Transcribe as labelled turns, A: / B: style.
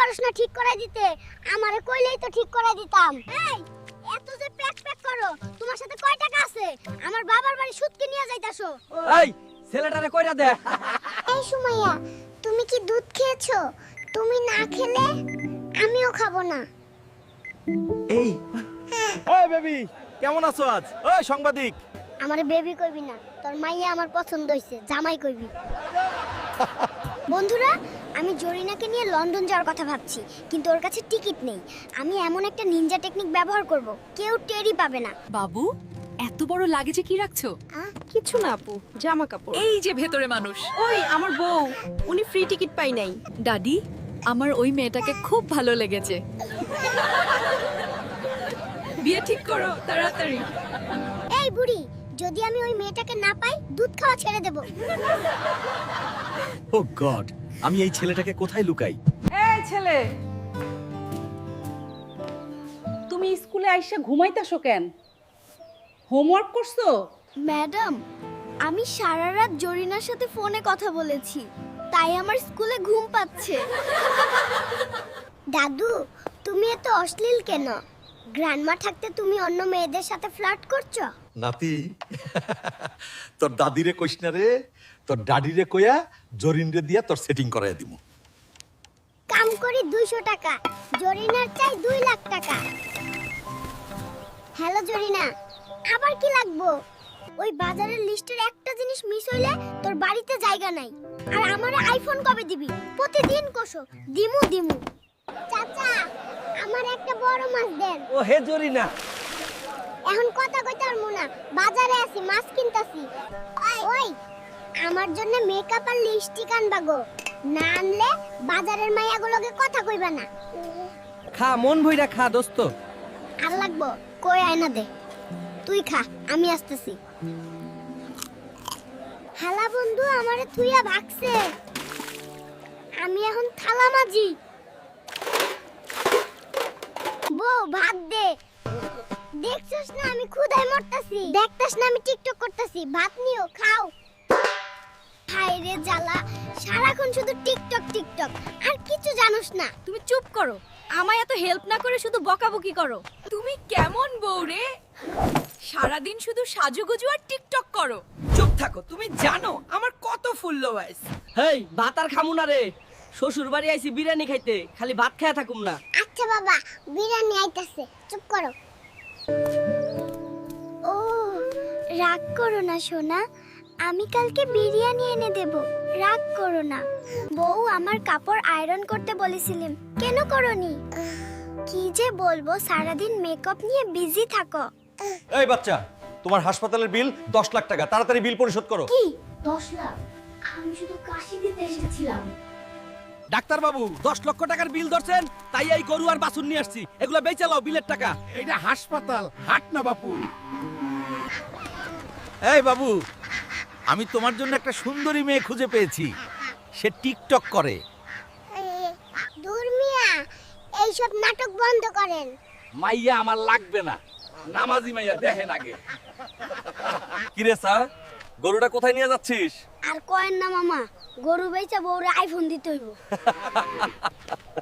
A: পারছ না ঠিক করে দিতে, আমারে কইলেই তো ঠিক করে দিতাম। এই এত যে প্যাক প্যাক করো, তোমার সাথে কয় টাকা আছে? আমার বাবার বাড়ি সুদকে নিয়ে যাইতাছো।
B: এই ছেলেটারে কইরা দে।
A: এই সুমাইয়া, তুমি কি দুধ খেয়েছো? তুমি না খেলে আমিও খাবো না।
B: এই
C: ওই বেবি, কেমন আছো আজ? ওই সাংবাদিক,
A: আমারে বেবি কইবি না, তোর মাইয়া আমার পছন্দ হইছে, জামাই কইবি। বন্ধুরা, আমি জরিনাকে নিয়ে লন্ডন যাওয়ার কথা ভাবছি, কিন্তু ওর কাছে টিকিট নেই। আমি এমন একটা নিনজা টেকনিক ব্যবহার করব, কেউ টেরই পাবে না।
D: বাবু, এত বড় লাগেজে কি রাখছো?
E: কিছু না আপু, জামা কাপড়।
D: এই যে ভেতরে মানুষ।
E: ওই আমার বউ, উনি ফ্রি টিকিট পাই নাই।
D: দাদি, আমার ওই মেয়েটাকে খুব ভালো লেগেছে। বিয়ে ঠিক করো তাড়াতাড়ি।
A: এই বুড়ি, যদি আমি ওই মেয়েটাকে না পাই, দুধ খাওয়া ছেড়ে দেব।
C: ও গড, আমি এই ছেলেটাকে কোথায় লুকাই?
E: এই ছেলে, তুমি স্কুলে আইসা ঘুমাইতাছো কেন? হোমওয়ার্ক করছো?
A: ম্যাডাম, আমি সারা রাত জরিনার সাথে ফোনে কথা বলেছি, তাই আমার স্কুলে ঘুম পাচ্ছে। দাদু, তুমি এত অশ্লীল কেন? গ্র্যান্ডমা থাকতে তুমি অন্য মেয়েদের সাথে ফ্লার্ট করছো?
C: নাতি, তোর দাদিরে কইস না রে, তোর ডাডিরে কইয়া জরিনরে দিয়া তোর সেটিং করাইয়া দিমু।
A: কাম করি 200 টাকা, জরিনার চাই 2 লাখ টাকা। হ্যালো জরিনা, আবার কি লাগবো? ওই বাজারের লিস্টের একটা জিনিস মিস হইলে তোর বাড়িতে জায়গা নাই। আর আমারে আইফোন কবে দিবি? প্রতিদিন কোসো দিমু দিমু। চাচা, আমার একটা বড় মাছ দেন।
B: ও হে জরিনা,
A: এখন কথা কইতে পারমু না, বাজারে আছি, মাছ কিনতাছি। ওই আমার জন্য মেকআপ আর লিপস্টিক আনবা গো, না আনলে বাজারের মাইয়াগুলোকে কথা কইবা না।
B: খা মন ভইরা খা দোস্ত।
A: আর লাগবো? কই আয়না দে, তুই খা, আমি আসতেছি। হালা বন্ধু আমারে থুইয়া ভাগছে, আমি এখন থালা মাজি। বউ ভাত দে। দেখছস না আমি ক্ষুধায় মরতাছি? দেখতাস না আমি টিকটক করতাছি? ভাত নিও, খাও। হায় রে জ্বালা, সারাক্ষণ শুধু টিকটক টিকটক, আর কিছু জানোস না।
D: তুমি চুপ করো, আমায় এত হেল্প না করে শুধু বকাবকি করো। তুমি কেমন বউ রে? সারাদিন শুধু সাজুগুজু আর টিকটক করো।
B: চুপ থাকো, তুমি জানো আমার কত ফুল লোয়াইস। হেই ভাত আর খামু না রে, শ্বশুর বাড়ি আইছি বিরিয়ানি খাইতে, খালি ভাত খায়া থাকুম না।
A: আচ্ছা বাবা, বিরিয়ানি আইতাছে, চুপ করো। ও, রাগ করো না সোনা, আমি কালকে বিরিয়ানি এনে দেব, রাগ করো না। বউ, আমার কাপড় আয়রন করতে বলেছিলাম, কেন করনি? কি যে বলবো, সারাদিন মেকআপ নিয়ে বিজি থাকো।
C: এই বাচ্চা, তোমার হাসপাতালের বিল 10 লাখ টাকা, তাড়াতাড়ি বিল পরিশোধ করো।
A: কি 10 লাখ? আমি শুধু কাশি দিতে এসেছিলাম।
B: ডাক্তার বাবু 10 লক্ষ টাকার বিল ধরছেন, তাই এই গরু আর বাছুর নিয়ে আসছি, এগুলা বেচে লাও বিলের টাকা।
F: এটা হাসপাতাল, হাট না বাপু।
C: এই বাবু, আমি তোমার জন্য একটা সুন্দরী মেয়ে খুঁজে পেয়েছি, সে টিকটক করে।
A: দূর মিয়া, এইসব নাটক বন্ধ করেন।
B: মাইয়া আমার লাগবে না, নামাজি মাইয়া দেখেন আগে। কিরে স্যার, গরুটা কোথায় নিয়ে যাচ্ছিস?
A: আর কয়েন না মামা, গরু বেচা বউরে আইফোন দিতে হইব।